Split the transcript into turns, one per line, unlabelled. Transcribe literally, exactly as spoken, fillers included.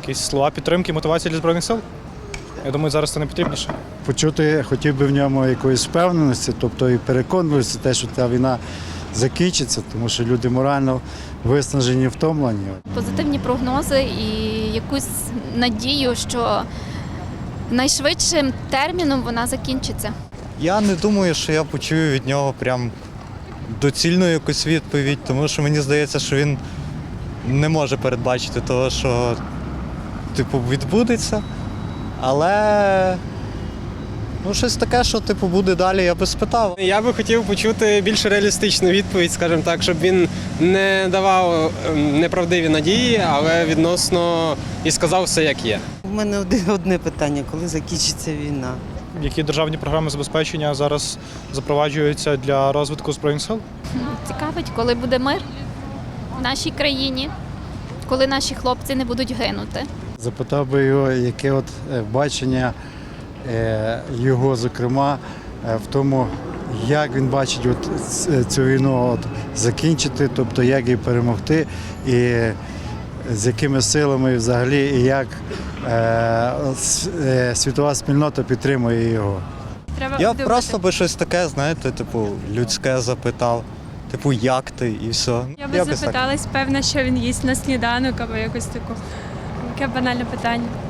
якісь слова підтримки, мотивації для Збройних сил. Я думаю, зараз це не потрібніше.
Почути хотів би в ньому якоїсь впевненості, тобто і переконливості, те, що ця війна закінчиться, тому що люди морально виснажені, втомлені.
Позитивні прогнози і якусь надію, що найшвидшим терміном вона закінчиться.
Я не думаю, що я почую від нього прям доцільну якусь відповідь, тому що мені здається, що він не може передбачити того, що типу відбудеться. Але ну, щось таке, що типу буде далі, я би спитав.
Я би хотів почути більш реалістичну відповідь, скажімо так, щоб він не давав неправдиві надії, але відносно і сказав все, як є.
У мене одне питання, коли закінчиться війна?
Які державні програми забезпечення зараз запроваджуються для розвитку Збройних сил?
Цікавить, коли буде мир в нашій країні, коли наші хлопці не будуть гинути.
Запитав би його, яке от е, бачення е, його, зокрема, е, в тому, як він бачить от ц- цю війну от закінчити, тобто як її перемогти, і з якими силами взагалі, і як е, с- е, світова спільнота підтримує його.
Треба
Я
думати.
просто би щось таке, знаєте, типу, людське запитав. Типу, як ти і все.
Я би
Якось так.
запиталась, певно, що він їсть на сніданок або якось таку. Яке банальне питання.